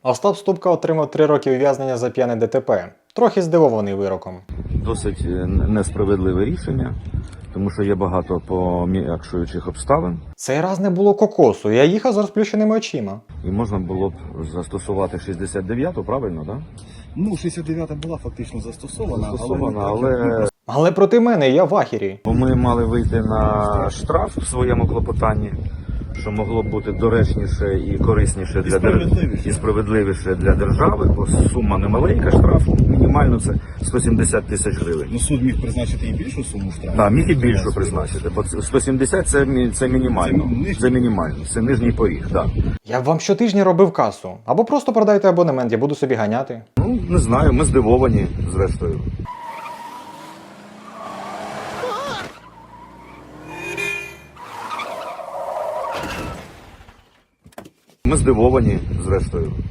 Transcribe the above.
Остап Ступка отримав 3 роки ув'язнення за п'яне ДТП. Трохи здивований вироком. Досить несправедливе рішення, тому що є багато пом'якшуючих обставин. Цей раз не було кокосу, я їхав з розплющеними очима. І можна було б застосувати 69-ту, правильно, так? Ну, 69-та була фактично застосована, Але Але проти мене я в ахері. ми мали вийти на штраф в своєму клопотанні, що могло б бути доречніше і корисніше для справедливіше. і справедливіше для держави, бо сума немаленька штрафу, мінімально це 170 тисяч гривень. Ну, суд міг призначити і більшу суму штрафу. Так, міг і більше призначити, бо 170 це мінімально. Це мінімально, це нижній поріг, так. Я б вам щотижня робив касу. Або просто продайте абонемент, я буду собі ганяти. Ну, не знаю, ми здивовані, зрештою. Ми здивовані, зрештою.